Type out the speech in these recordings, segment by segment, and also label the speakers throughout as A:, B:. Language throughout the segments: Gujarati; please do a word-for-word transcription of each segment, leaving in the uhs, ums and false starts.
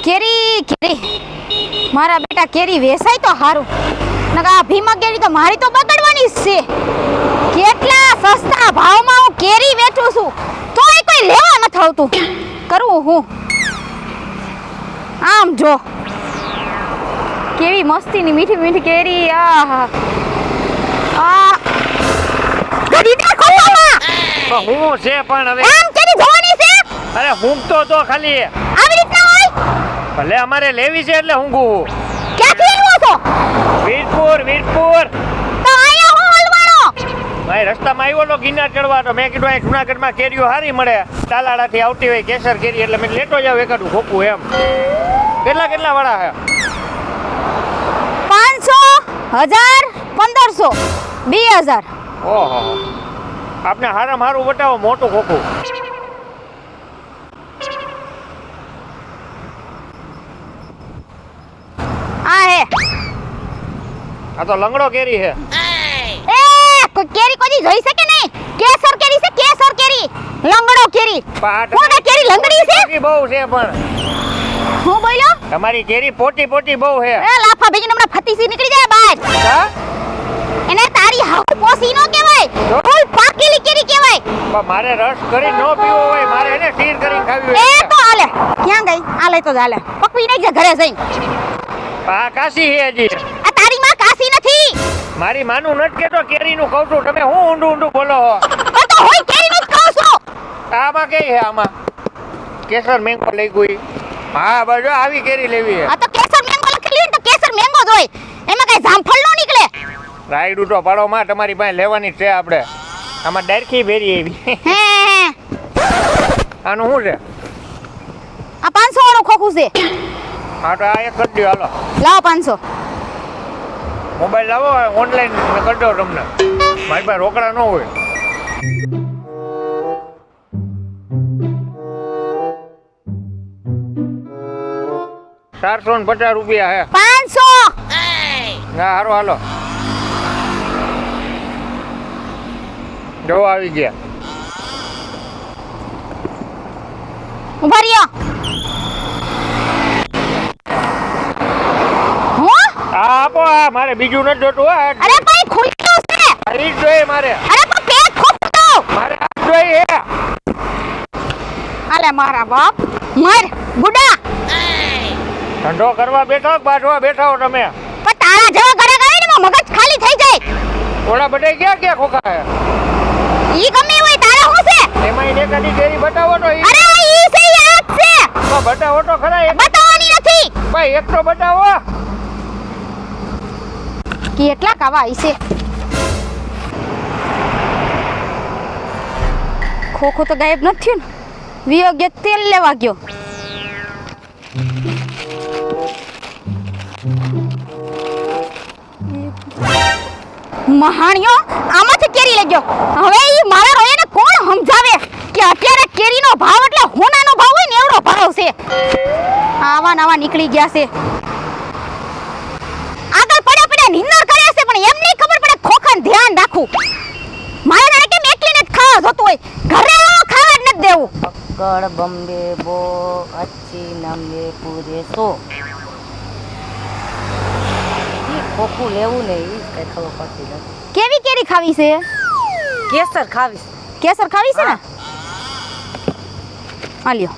A: કેરી કેરી મારા બેટા કેરી વેસાય તો હારું નકા આ ભીમા કેરી તો મારી તો બગડવાની જ છે કેટલા સસ્તા ભાવમાં હું કેરી વેચું છું તોય કોઈ લેવા ન આવતું કરું હું આમ જો કેવી મસ્તીની મીઠી મીઠી કેરી આહા આ ગડીના ખોટામાં
B: તો હું છે પણ હવે
A: આમ કેરી જોવાની છે
B: અરે હુંગતો તો ખાલી
A: આવી રીતના હોય
B: ભલે અમારે લેવી છે એટલે હુંગું
A: ક્યાંથી આવ્યો છો
B: વીરપુર વીરપુર
A: તો આયા હું હલવાણો
B: ભાઈ રસ્તામાં આવ્યો તો ગિરનાર ચડવા તો મેં કીધું અહીં જુનાગઢમાં કેરીઓ સારી મળે તાલાડાથી આવતી હોય કેસર કેરી એટલે મેં લેતો જાવ એકાદું ખોખું એમ કેટલા કેટલા વાળા છે
A: પાંચસો હજાર પંદરસો બે હજાર
B: ઓહો આપને હારામાં હારું બતાવો મોટું ખોખું
A: આ હે
B: આ તો લંગડો કેરી છે
A: એ કોઈ કેરી કોઈ જોઈ શકે નહીં કેસર કેરી છે કેસર કેરી લંગડો કેરી કોને કેરી લંગડી છે
B: પોટી બહુ છે પણ
A: હું બોલ્યો
B: તમારી કેરી પોટી પોટી બહુ છે
A: એ લાફા ભેગીને હમણાં ફતીસી નીકળી જાય બહાર
B: હા
A: એને તારી હાવ પોસી નો કહેવાય ફૂલ પાકેલી કેરી કહેવાય
B: પણ મારે રસ કરી નો પીવો હોય મારે એને સીર કરીને ખાવી
A: એ
B: હોય
A: તો હાલે ક્યાં ગઈ આ લઈ તો હાલે પકવી નહીં જા ઘરે જઈ
B: આ કાશી છે હજી
A: આ તારી માં કાસી નથી
B: મારી માનું નથી કેતો કેરીનું કહું છું તમે હું ઊંડું ઊંડું બોલો છો
A: પણ તો હોય કેરીનું જ કહું છું
B: આમાં કઈ છે આમાં કેસર મેંગો લઈ ગઈ હા બસ જો આવી કેરી લેવી છે
A: આ તો કેસર મેંગો લખેલી ને તો કેસર મેંગો જ હોય એમાં કઈ જામફળ નો નીકળે
B: રાયડું તો પાડો માં તમારી પાસે લેવાની છે આપણે આમાં ડાયરખી ભેરી એવી
A: હે હે
B: આનું શું છે
A: આ પાંચસો વાળું ખોખું છે
B: હા તો આ એક કરી દો હાલો
A: લાવો પાંચસો
B: મોબાઈલ લાવો ઓનલાઈન મેં કરી દો તમને મારી પાસે રોકડા ન હોય ચારસો ને પચાસ રૂપિયા હે
A: પાંચસો
B: ના હારો હાલો જો આવી ગયા
A: ઉભા રહ્યો હું
B: આ આપો આ મારે બીજું નથી જોતું આ
A: અરે ભાઈ ખુલ્લું છે
B: આ ઈ જ જોઈએ મારે
A: અરે પણ પેટ ખોખું તો
B: મારે આ જ જોઈએ હે
A: આલે મારા બાપ મર બુડા
B: ધંધો કરવા બેઠો કે બાજવા બેઠા હો તમે
A: પણ તારા જેવા ઘરે ગઈ ને મગજ ખાલી થઈ જાય
B: ઓલા બધાય ક્યાં ક્યાં ખોખા હે
A: ઈ ગમે હોય તારા હું છે
B: એમાં ઈને કદી કેરી બતાવો તો ઈ
A: અરે ઈ છે યાદ છે
B: તો બતાવો તો ખરા એક
A: બતાવવાની નથી
B: ભાઈ એક તો બતાવો
A: કેટલા કાવા આઈ છે ખોખો તો ગાયબ નથી થયું ને વિયોગ્ય તેલ લેવા ગયો મહાણિયો આમાંથી કેરી લઈ ગયો હવે ઈ મારા રોયાને કોણ સમજાવે કે અત્યારે કેરીનો ભાવ એટલે હોનાનો ભાવ હોય ને એવડો ભાવ છે આવા નવા નીકળી ગયા છે આગળ પડ્યા પડ્યા નિંદર કરે છે પણ એમ નહીં ખબર પડે ખોખાને ધ્યાન રાખવું મારે કે એકલીને જ ખાવા જોતું હોય ઘરે ખાવા જ નથી દેવું
C: અક્કડ બમ્બે બો અચ્છી નંબે પૂરે સો ખોખું લેવું ને એ કઈ ખબર પડતી નથી
A: કેવી કેરી ખાવી છે
C: કેસર ખાવીશ
A: કેસર ખાવી છે ને આ લ્યો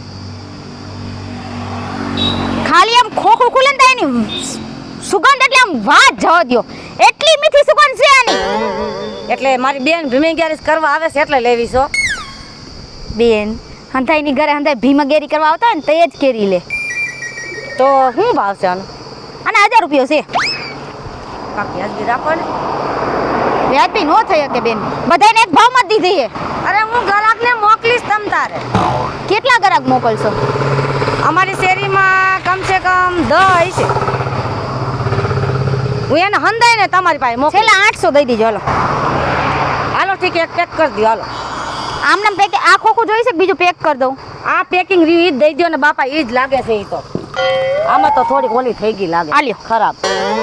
A: ખાલી આમ ખોખું ખુલે ને તો એની સુગંધ એટલે આમ વાત જવા દ્યો એટલી મીઠી સુગંધ છે આની
C: એટલે મારી બેન ભીમી ગેરીસ કરવા આવે છે એટલે લેવી છો
A: બેન હંધાઈની ઘરે હંધાઈ ભીમા ગેરી કરવા આવતા હોય ને તે જ કેરી લે
C: તો શું ભાવ છે આનો
A: અને હજાર રૂપિયો છે
C: કાંક વ્યાજબી રાખો ને
A: વ્યાજબી નો થઈ શકે બેન બધાને એક ભાવમાં જ દીધી છે
C: અરે હું ગ્રાહકને મોકલીશ તમ તારે
A: કેટલા ગ્રાહક મોકલશો
C: અમારી શેરીમાં કમસે કમ દસ છે હું એને હંધાઈ ને તમારી પાસે મોકલી
A: છેલ્લા આઠસો દઈ દીજો હાલો
C: હાલો ઠીક એક પેક કરી દો હાલો
A: આમનામ પેક આ ખોખું જોઈ છે બીજું પેક કરી દઉં
C: આ પેકિંગ રીવ ઈ જ દઈ દો ને બાપા ઈ જ લાગે છે ઈ તો આમાં તો થોડી ઓલી થઈ ગઈ લાગે
A: આ લ્યો.
C: ખરાબ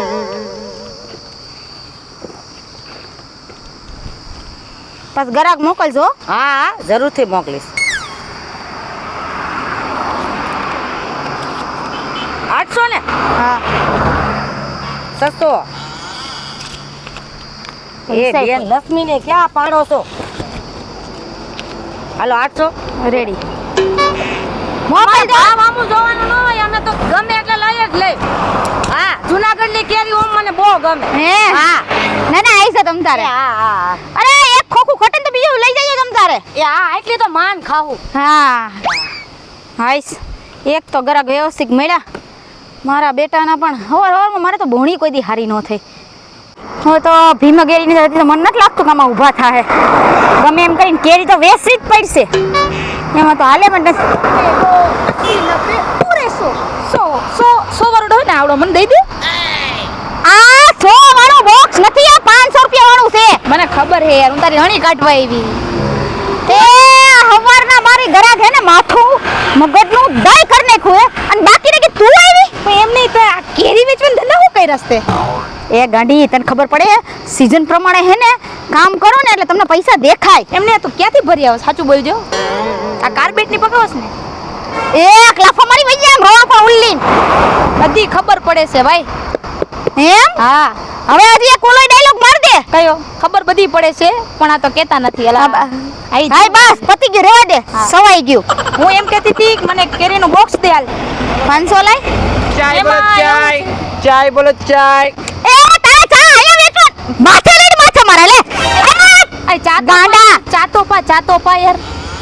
A: બસ ગ્રાહક મોકલજો
C: હા હા જરૂરથી મોકલીશ આઠસો ને
A: હા
C: સસ્તો એ
A: પૈસા
C: બેન લક્ષ્મીને ક્યાં પાડો છો હાલો આઠસો
A: રેડી મોબાઈલ દે
C: ભાવ આમું જોવાનું ન હોય અમે તો ગમે એટલે લઈ જ લઈ હા જુનાગઢની કેરી ઓમ મને બહુ ગમે
A: હે
C: હા
A: ના ના આઈ છે તમ તારે
C: હા હા
A: અરે એક ખોખું ખોટે ને તો બીજું લઈ જઈએ તમ તારે
C: એ હા એટલી તો માન ખાવું
A: હા હાઈસ એક તો ગરાક વ્યવસ્થિત મળ્યા મારા બેટાના પણ હવાર હવારમાં મારે તો ભોણી કોઈ દી હારી ન થઈ હવે તો ભીમ કેરીની હતી તો મને નથી લાગતું કે આમાં ઊભા થાય ગમે એમ કરીને કેરી તો વેચવી જ પડશે એમાં તો હાલે પણ નથી
C: સો સો સો વાળો હોય ને આવડો મને દઈ દે
A: આ સો વાળું બોક્સ નથી આ પાંચસો રૂપિયા વાળું છે
C: મને ખબર હે યાર હું તારી હણી કાઢવા આવી
A: તે હવારના મારી ગરાક હે ને માથું મગજનું દઈ કરી નાખ્યું હે અને બાકી ને કે તું આવી
C: પણ એમ નહીં તો આ કેરી વેચવાનો ધંધો હું કઈ રસ્તે
A: એ ગાંડી તને ખબર પડે સીઝન પ્રમાણે હે ને કામ કરો ને એટલે તમને પૈસા દેખાય
C: એમને તું ક્યાંથી ભરી આવો સાચું બોલજો આ કાર્પેટ ની પકાવસ ને
A: એક લાફા મારી વઈ જાય એમ રોડ પર ઉલ્લીન
C: બધી ખબર પડે છે ભાઈ
A: એમ
C: હા
A: હવે હજી એક ઓલો ડાયલોગ માર દે
C: કયો ખબર બધી પડે છે પણ આ તો કેતા નથી એલા
A: હા, બા-
C: આઈ
A: હાય બસ પતી ગયું રેવા દે
C: હા.
A: સવાઈ ગયું
C: હું એમ કહેતી હતી કે મને કેરીનું બોક્સ દે હાલ
A: પાંચસો લાય
B: ચાય બોલો
C: એમાં
B: ચાય ચાય બોલો ચાય
A: એ તારે ચા આયા વેચવા માથે લઈને માથે મારે લે
C: આ ચા તો
A: ગાંડા.
C: પા, ચા તો પા ચા તો પા યાર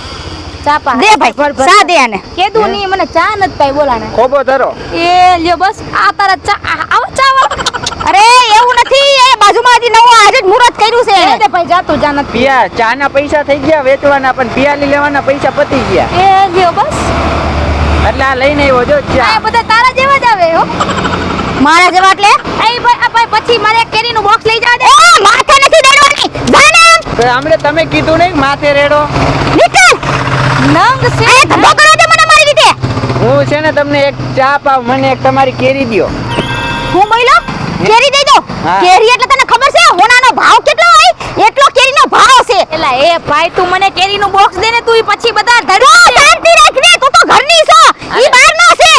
C: ચા પા
A: દે ભાઈ સા દે આને
C: કેદું નહીં મને ચા નથી પાઈ બોલાને
B: ખોબો ધરો
C: એ લ્યો બસ આ તારા ચા આ- આવો ચા વાળો
A: અરે એવું નથી એ બાજુમાં હજી નવો આજે જ મુહૂર્ત કર્યું છે
C: એ
A: એને.
C: દે ભાઈ જા તું જા નથી
B: પિયા ચા ના પૈસા થઈ ગયા વેચવાના પણ પિયાલી લેવાના પૈસા પતી ગયા
C: એ લ્યો બસ
B: એટલે આ લઈને આવ્યો જો ચા
C: આ બધા તારા જેવા જ આવે હો
A: મારા જેવા એટલે
C: એ ભાઈ આ ભાઈ પછી મારે એક કેરીનું બોક્સ લઈ જવા દે
A: એ માથે નથી દેડવાની જાને
B: તો હમણે તમે કીધું નહીં માથે રેડો
A: નીકળ
C: નંગ છે
A: એ ધંધો કરો દે મને મારી રીતે
B: હું છે ને તમને એક ચા પાવ મને એક તમારી કેરી દ્યો
A: હું બોલ્યો કેરી દઈ દો
B: હા.
A: કેરી એટલે તને ખબર છે હોનાનો ભાવ કેટલો હોય એટલો કેરીનો ભાવ છે
C: એલા એ ભાઈ તું મને કેરીનું બોક્સ દે ને તું ઈ પછી બધા
A: તું
C: ધડ
A: શાંતિ રાખ ને તું તો ઘરની છો ઈ બહારનો છે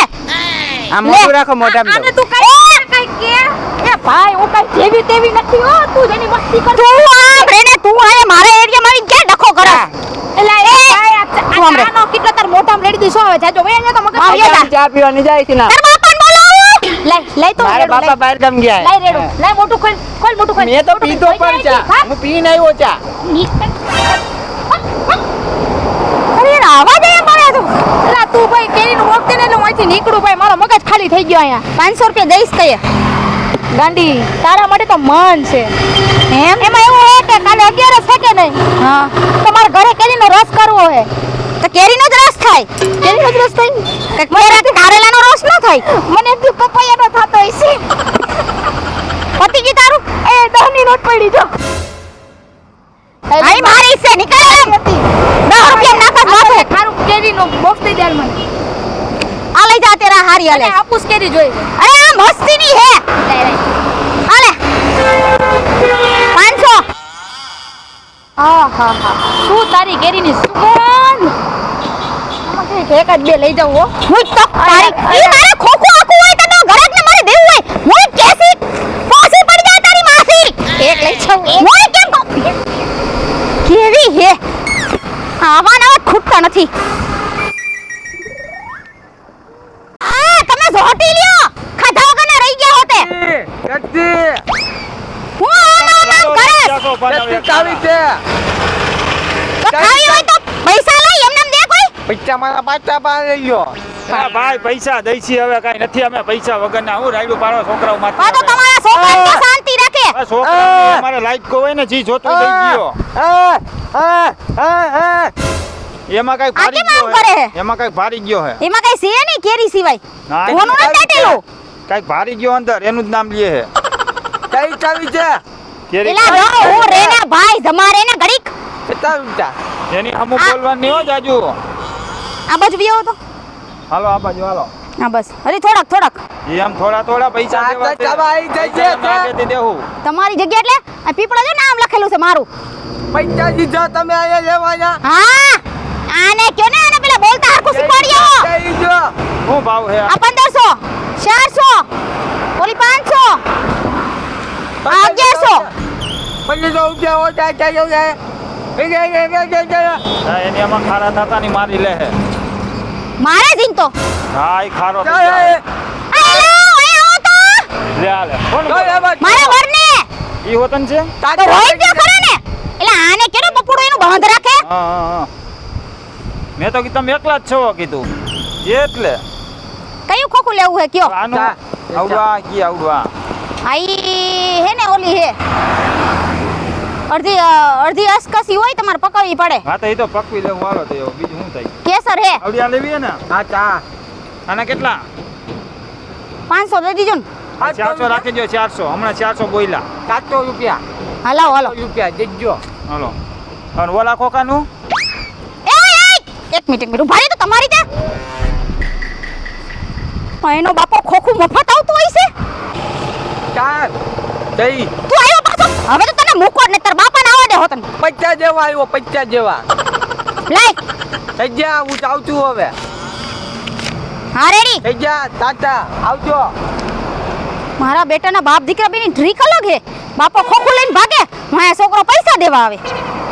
B: આ મોટું રાખો મોઢામાં
C: આને
B: તો
C: તું કઈ કઈ કે એ ભાઈ હું કઈ જેવી તેવી નથી હો તું જેની મસ્તી કર
A: તું આમ રેને તું આને મારા એરિયામાં આવીને ક્યાં ડખો કરે
C: એલા એ ભાઈ આ ચા-
A: તું
C: આ
A: આમ રે.
C: ચાનો કેટલો તાર મોઢામાં રેડી દીધો હવે જાજો વે ને તો મગજ
A: આવ યા જા.
B: ચા પીવાની જાય છે ના
A: તાર બાપાને બોલાવો
C: લઈ લઈ તો
B: મારા
C: રેડું,
B: બાપા
C: લઈ.
B: બહાર ગામ ગયા
C: લઈ રેડું લઈ મોટું ખોલ ખોલ મોટું ખોલ
B: મેં તો
C: મોટું
B: પીધો
C: ખોલ.
B: પણ
C: લઈ
B: ચા
C: હા?
B: હું પીને આવ્યો ચા
A: અરે એને આવા દે મારે તો
C: એલા તું ભાઈ કેરીનું બોક્સ દે ને એટલે હું અહીંથી નીકળું ભાઈ મારો મગજ ખાલી થઈ ગયો અહીંયા
A: પાંચસો રૂપિયા દઈશ કહીએ
C: ગાંડી તારા માટે તો મન છે
A: એમ
C: એમાં એવું હોય કે કાલે અગિયારસ છે કે નહીં
A: હા
C: તમારે ઘરે કેરીનો રસ કરવો છે
A: તો કેરીનો જ રસ થાય
C: કેરીનો જ રસ થાય
A: કંઈક કેરાથી કારેલાનો રસ ન થાય
C: મને એટલું પપૈયાનો થતો હોય છે
A: પતી ગયું તારું
C: એ દહની નોટ પડી જો
A: આઈ મારી છે નીકળ
C: હતી
A: દસ રૂપિયા નાખા માથે
C: ખારું કેરીનું બોક્સ દઈ દે હાલ મને
A: આ લઈ જા તેરા હારી
C: અને
A: હાલે
C: હાપુસ કેરી જોઈ છે
A: અરે આ મસ્તીની હે
C: લઈ લઈ
A: હાલે પાંચસો
C: હા હા હા શું તારી કેરીની સુગંધ આમાં કંઈક એક જ બે લઈ જાઉં હો
A: હું તો તારી ઈ મારે ખોખું આખું હોય તને ઘરાકને મારે દેવું હોય હું કેસી ફોસી પડી જાય તારી માસી
C: એક લઈ જાઉં એક
A: હું કેમ કહું? કેવી હે આવા નવા ખૂટતા નથી આ તમે ઝોટી લ્યો ખાધા વગરના રહી ગયા હોતે હું આમ આમ આમ કરસ
B: ચાવી છે
A: તો ખાવી હોય તો પૈસા લઈ એમને એમ દે કોઈ
B: પૈસા મારા પાછા પાસે ગયો
D: હા ભાઈ પૈસા દઈ છીએ હવે કઈ નથી અમે પૈસા વગરના હું રાયડું પાડો છોકરાઓ માથે
A: આ તો તમારા છોકરાને તો શાંતિ રાખે
D: આ છોકરાઓને અમારે લાઈટ કો હોય ને જી જોતું દઈ ગયો એમાં કઈ ભારી
A: કેમ આમ
D: ગયો
A: કરે
D: હે
A: હે?
D: એમાં કઈ ભારી ગયો હે
A: એમાં કઈ છે નહીં કેરી સિવાય
D: ના,
A: કોનું નથી દાટેલું
D: કઈક ભારી ગયો અંદર એનું જ નામ લે હે
B: કઈ ચાવી છે
D: કેરી
A: એલા જો હું રેના ભાઈ જમારે ને ઘડીક
D: એની અમુક બોલવાની નહીં હો જાજુ
A: આ બાજુ વિયો તો
D: હાલો આ બાજુ હાલો
A: હા બસ હરી થોડાક થોડાક
D: એમ થોડા થોડા પૈસા
B: ચા તો
D: દેવા છે.
B: ચાવા આઈ જાય છે,
D: પૈસા એમ
B: ચા.
D: નાખેથી દેવું
A: તમારી જગ્યા એટલે આ પીપળા જો નામ લખેલું છે મારું
B: પૈસા દીધો તમે અહીંયા લેવાના
A: હા આને કયો ને આને પેલા બોલતા હરખું શીખવાડ્યો
B: જઈ જો
D: શું ભાવ હે
A: આ પંદરસો આવજે છો
E: પછી તો ઉઠ્યા હોતા ચાલ્યો જાય એ જાય જાય જાય જાય જાય
D: હા, એની આમાં ખારા થતા ની મારી લે હે.
A: મારે જીન તો
D: હા ઈ ખારો થઈ
E: જાય
D: જાય.
A: આલો આય આવો તો
D: લે આ લે કોણ
E: જાય બસ
A: મારા વરને
D: ઈ હોતન છે?
A: તો હોય જ ખરા ને એટલે આને કેનો બપોડો એનું બાંધ રાખે
D: હા હા હા મેં તો કીધું તમે એકલા જ છો કીધું એટલે
A: કયું ખોખું લેવું હે કયો
D: આનું
E: તા.
D: આવડવા કી આવડવા
A: આઈ હે ને ઓલી હે અડધી અ, અડધી અસકસી હોય તમારે પકવવી પડે
D: હા તો એ તો પકવી લેવું વાળો તો એવું બીજું શું થાય
A: કેસર હે
D: આવડી આ લેવી હે ને
E: હા ચા
D: આના કેટલા
A: પાંચસો દઈ દીજો ને
D: ચારસો રાખી દો ચારસો હમણાં ચારસો બોયલા
E: સાતસો રૂપિયા
A: હલાવો હલો
E: રૂપિયા દેજો
D: હાલો અને ઓલા ખોખાનું
A: એ એ, એક મિનિટ એક મિનિટ ઉભા રહી તો તમારી ત્યાં આ એનો બાપો ખોખું મફત આવતું હોય છે
E: ચાર દઈ
A: તું આવ્યો પાછો હવે તો તને મૂકો જ ને તાર બાપાને આવવા દે હોતન
E: પચાસ જેવા આવ્યો પચાસ જેવા
A: લાય
E: થઈ જા હું જાઉં છું હવે
A: હા રેડી
E: થઈ જા તાતા આવજો
A: મારા બેટાના બાપ દીકરા બેની ડ્રીક અલગ હે બાપો ખોખું લઈને ભાગે મારા છોકરો પૈસા દેવા આવે